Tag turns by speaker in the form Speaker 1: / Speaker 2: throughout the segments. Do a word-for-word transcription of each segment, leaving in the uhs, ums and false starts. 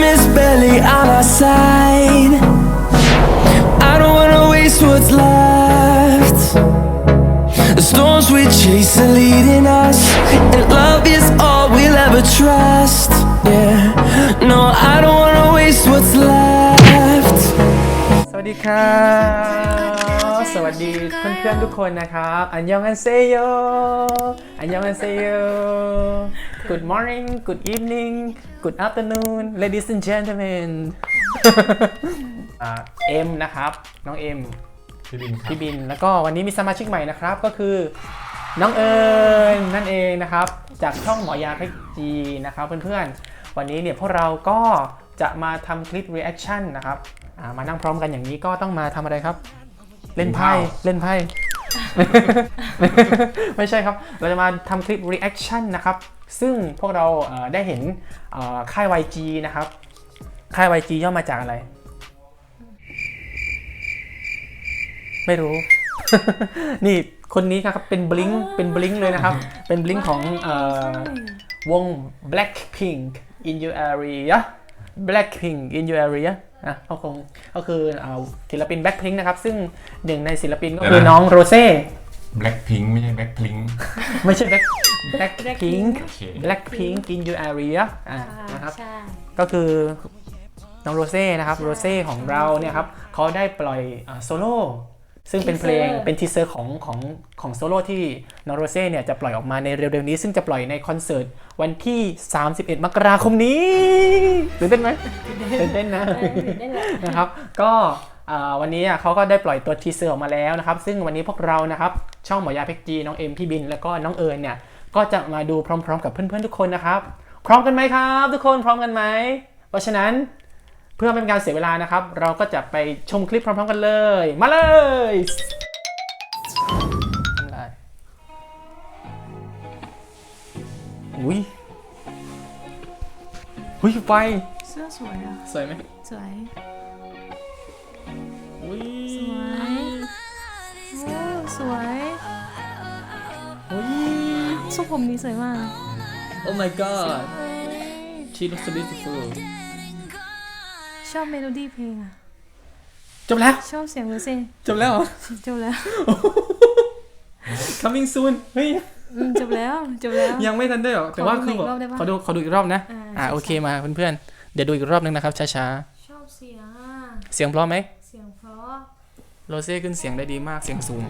Speaker 1: is barely on our side. I don't wanna waste what's left. The storms we chase are leading us, and love is all we'll ever trust. Yeah, no, I don't wanna waste what's left.
Speaker 2: สวัสดีครับสวัสดีเพื่อนๆทุกคนนะครับอันยองอันเซโยอันยองอันเซโย Good morning Good evening Good afternoon ladies and gentlemen เอ็มนะครับน้องเอ็มพี่บินพี่บินแล้วก็วันนี้มีสมาชิกใหม่นะครับก็คือน้องเอิญนั่นเองนะครับจากช่องหมอยาเทคจีนะครับเพื่อนๆวันนี้เนี่ยพวกเราก็จะมาทำคลิป reaction นะครับมานั่งพร้อมกันอย่างนี้ก็ต้องมาทำอะไรครับเล่นไพ่เล่นไพ่ ไม่ใช่ครับเราจะมาทำคลิป reaction นะครับซึ่งพวกเราได้เห็นค่าย วาย จี นะครับค่าย วาย จี ย่อมาจากอะไรไม่รู้ นี่คนนี้ครับเป็น Blink เป็น Blink เลยนะครับเป็น Blink ของวง Blackpink in your area Blackpink in your area อ่ะเขาคงก็คือศิลปิน Blackpink นะครับซึ่งหนึ่งในศิลปินก็คือน้องโรเซ่
Speaker 3: Blackpink ไม่ใช่ Blackpink
Speaker 2: ไม่ใช่ Black Blackpink Blackpink in your area อ่ะนะครับก็คือน้องโรเซ่นะครับโรเซ่ของเราเนี่ยครับเขาได้ปล่อยโซโล่ซึ่งเป็นเพลงเป็นทีเซอร์ของของของโซโล่ที่น้องโรเซ่เนี่ยจะปล่อยออกมาในเร็วๆนี้ซึ่งจะปล่อยในคอนเสิร์ตวันที่สามสิบเอ็ดมกราคมนี้ตื่นเต้นไหมตื่นเต้นนะนะครับก็วันนี้เขาก็ได้ปล่อยตัวทีเซอร์ออกมาแล้วนะครับซึ่งวันนี้พวกเรานะครับช่องหมอยาเพ็กจีน้องเอ็มพี่บินแล้วก็น้องเอิญเนี่ยก็จะมาดูพร้อมๆกับเพื่อนๆทุกคนนะครับพร้อมกันไหมครับทุกคนพร้อมกันไหมเพราะฉะนั้นเพื่อไม่เป็นการเสียเวลานะครับเราก็จะไปชมคลิปพร้อมๆกันเลยมาเลยอุ้ยอุ้ยไฟ
Speaker 4: เสื้อสวยอ่ะ
Speaker 2: สวยไหม
Speaker 4: สวย
Speaker 2: อุ้ย
Speaker 4: สวยโอ้สวย
Speaker 2: อุ้ย
Speaker 4: ทรงผมนี้สวยมาก
Speaker 2: Oh my god she looks so beautiful
Speaker 4: ชอบเมโลดี้เพลงอ่ะ
Speaker 2: จบแล้ว
Speaker 4: ชอบเสียงเลยสิ
Speaker 2: จบแล้วเหรอ
Speaker 4: จบแล้ว
Speaker 2: coming soon เฮ้ย
Speaker 4: จบแล้วจบแล้ว
Speaker 2: ยังไม่ทันได้หรอแต่ว่าคือแบบขอดูขอดูอีกรอบนะอ่าโอเคมาเพื่อนๆเดี๋ยวดูอีกรอบนึงนะครับช้า
Speaker 4: ๆชอบเสียงอ่ะ
Speaker 2: เสียงเพราะไหม
Speaker 4: เสียงเพราะ
Speaker 2: โรเซ่ขึ้นเสียงได้ดีมากเสียงสูง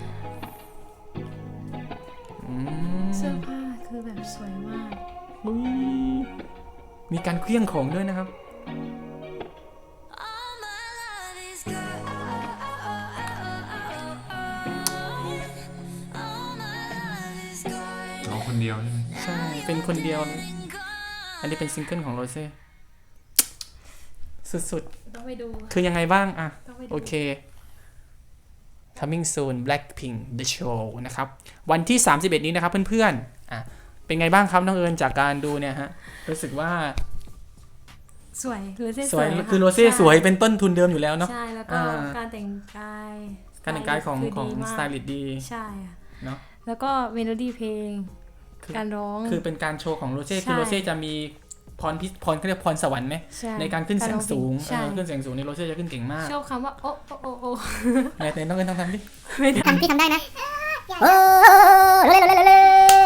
Speaker 4: เสื้อผ้าคือแบบสวยมาก
Speaker 2: มีการเคลี้ยงของด้วยนะครับ
Speaker 3: คนเดียวใช่ไหม
Speaker 2: ใช่เป็นคนเดียวอันนี้เป็นซิงเกิลของโรเซ่สุด
Speaker 4: ๆต้องไปดู
Speaker 2: คือยังไงบ้างอ่ะโอเค coming soon Blackpink the show นะครับวันที่สามสิบเอ็ดนี้นะครับเพื่อนๆอ่ะเป็นไงบ้างครับน้องเอิญจากการดูเนี่ยฮะรู้สึกว่า
Speaker 4: สวยโรเซ่
Speaker 2: สวยคือโรเซ่สวยเป็นต้นทุนเดิมอยู่แล้วเนาะ
Speaker 4: ใช่แล้วก็การแต่งกาย
Speaker 2: การแต่งกายของของสไตลิสต์ดี
Speaker 4: ใช่
Speaker 2: เนาะ
Speaker 4: แล้วก็เมโลดี้เพลงการร้อง
Speaker 2: คือเป็นการโชว์ของโรเซ่คือโรเซ่จะมีพรพิพรเขาเรียกพรสวรรค์ไหมในการขึ้นเสียงสูงขึ้นเสียงสูงนี่โรเซ่จะขึ้นเก่งมาก
Speaker 4: ชอบคำว่าโอ้โอ้โอ้โอ้
Speaker 2: ในในต้องเล่นต้องทำดิ
Speaker 4: ไม่ทำ
Speaker 5: พี่ทำได้นะโอ้
Speaker 2: ไม่ได้ไม่ได้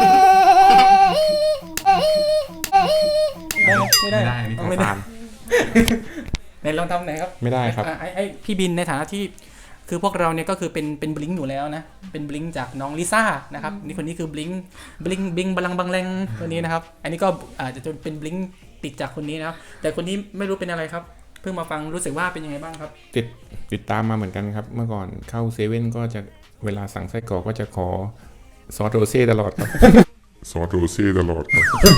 Speaker 3: ไม่ได้
Speaker 2: ในลองทำหน่อยครับ
Speaker 3: ไม่ได้ครับ
Speaker 2: ไอ้ไอ้พี่บินในฐานะที่คือพวกเราเนี่ยก็คือเป็นเป็นบลิงอยู่แล้วนะเป็นบลิงจากน้องลิซ่านะครับนี่คนนี้คือบลิงบลิงบิงบลังบังแรงตัวนี้นะครับอันนี้ก็อาจจะเป็นบลิงติดจากคนนี้นะครับแต่คนนี้ไม่รู้เป็นอะไรครับเพิ่งมาฟังรู้สึกว่าเป็นยังไงบ้างครับ
Speaker 3: ติดติดตามมาเหมือนกันครับเมื่อก่อนเข้าเซเว่นก็จะเวลาสั่งไส้กรอกก็จะขอซอสโรเซ่ตลอดครับซอสโรเซ่ตลอด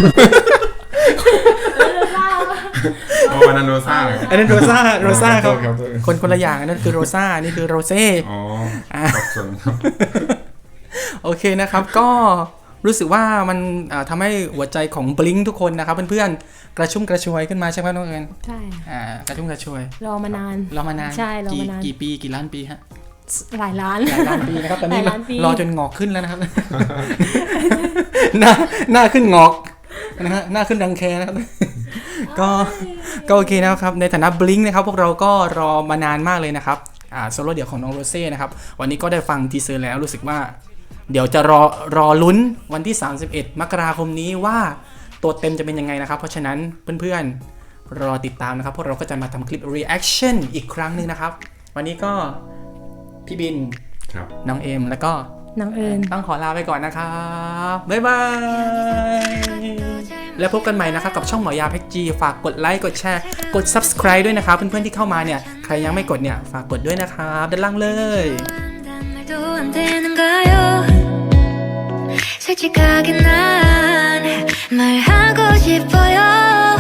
Speaker 3: อ๋ออันนั้นโรซ่า
Speaker 2: อันนั้นโรซ่าโรซ่าครับคนคนละอย่างอันนั้นคือโรซ่านี่คือโรเซ่
Speaker 3: อ๋อครับส่วนครับ
Speaker 2: โอเคนะครับก็รู้สึกว่ามันทำให้หัวใจของบลิงทุกคนนะครับเพื่อนๆกระชุ่มกระชวยขึ้นมาใช่ไหมน้องเอิญ
Speaker 4: ใช่
Speaker 2: อ่ากระชุ่มกระชวย
Speaker 4: รอมานาน
Speaker 2: รอมานาน
Speaker 4: ใช่รอมานาน
Speaker 2: กี่ปีกี่ล้านปีฮะ
Speaker 4: หลายล้าน
Speaker 2: หลายล้านปีนะครับตอนนี้รอจนงอกขึ้นแล้วนะครับหน้าหน้าขึ้นงอกนะฮะหน้าขึ้นรังแคนะครับก็ก็โอเคนะครับในฐานะบลิงนะครับพวกเราก็รอมานานมากเลยนะครับอ่าโซโล่เดี่ยวของน้องโรเซ่นะครับวันนี้ก็ได้ฟังทีเซอร์แล้วรู้สึกว่าเดี๋ยวจะรอรอลุ้นวันที่สามสิบเอ็ดมกราคมนี้ว่าตัวเต็มจะเป็นยังไงนะครับเพราะฉะนั้นเพื่อนๆรอติดตามนะครับพวกเราก็จะมาทำคลิป reaction อีกครั้งหนึ่งนะครับวันนี้ก็พี่บิน
Speaker 3: ครับ
Speaker 2: น้องเอมแล้วก็
Speaker 4: น้องเอิญ
Speaker 2: ต้องขอลาไปก่อนนะครับบ๊ายบายแล้วพบกันใหม่นะครับกับช่องหมอยาเพชรจีฝากกดไลค์กดแชร์กด subscribe ด้วยนะครับเพื่อนๆที่เข้ามาเนี่ยใครยังไม่กดเนี่ยฝากกดด้วยนะครับด้านล่างเลย
Speaker 5: 말도 안 되는가요 솔직하게 난 말하고 싶어요